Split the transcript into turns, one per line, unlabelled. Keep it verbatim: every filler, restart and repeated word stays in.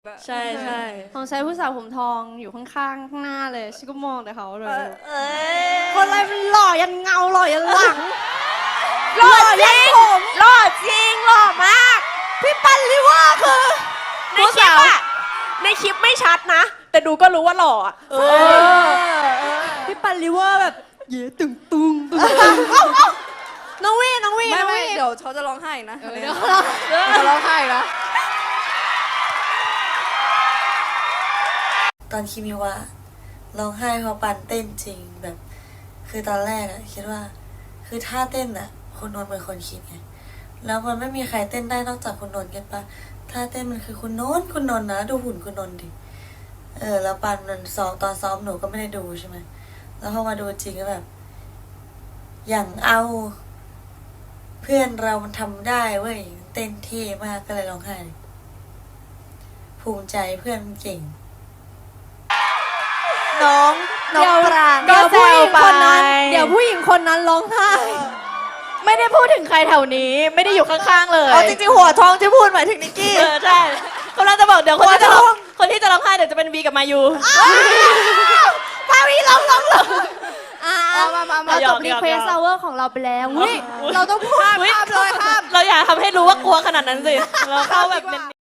ใช่ใช่
ของใช้ผู้สาวผมทองอยู่ข้างๆข้างหน้าเลยฉันก็มองแต่เขาเลย
เอ้ย
คนอะไรมันหล่อยันเงาหล่อยันหลัง
หล่อจริงหล่อจริงหล่อมาก
พี่ปันลิเวอร์คือ
ในคลิปอะในคลิปไม่ชัดนะ แต่ดูก็รู้ว่าหล่ออะเออ
พี่ปันลิเวอร์แบบเย้ตึงตุงตึงน้องวีน้องวี
ไม่
น้อง
ไม่
วี
เดี๋ยวเขาจะร้องไห้นะ
เดี๋ยวเรา
เขาร้องไห้นะ
ตอนคิมิวะร้องไห้เพราะปันเต้นจริงแบบ คือตอนแรกอะคิดว่า คือท่าเต้นอะคุณนนท์เป็นคนคิดไงแล้วมันไม่มีใครเต้นได้นอกจากคุณนนท์เก็ตปะท่าเต้นมันคือคุณนนท์คุณนนท์นะดูหุ่นคุณนนท์ดิเออแล้วปันมันซ้อมตอนซ้อมหนูก็ไม่ได้ดูใช่ไหมแล้วพอมาดูจริงก็แบบ อย่างเอาเพื่อนเรามันทำได้เว้ยเต้นเท่มากก็เลยร้องไห้ภูมิใจเพื่อนมันเก่ง
น้องน้องปราง
เดี๋ยว
ก็แซ
ผู้ห
ว
ญิง
ไป
คนนั้นเดี๋ยวผู้หญิงคนนั้นร้องไห้
ไม่ได้พูดถึงใครแถวนี้ ไม่ได้อยู่ข้างๆเลย
อ๋อจริงๆหัวทองที่พูดหมายถึงนิกกี้
เออใช่กำลังจะบอกเดี๋ยวคนที่จะร้องคนที่จะร้องไห้เดี๋ยวจะเป็นวีกับมายู
มาวีร้องร้องร้องอ่า
มามามา
เรา
หย
จ
อก
บ
ห
รี
ยอก
เควส
หยอก
ซาวเวอร์ของเราไปแล้วเฮ้ยเราต้องพูด
ข้ามเลยข้ามเราอย่าทำให้รู้ว่ากลัวขนาดนั้นสิ เราเข้าแบบเน้น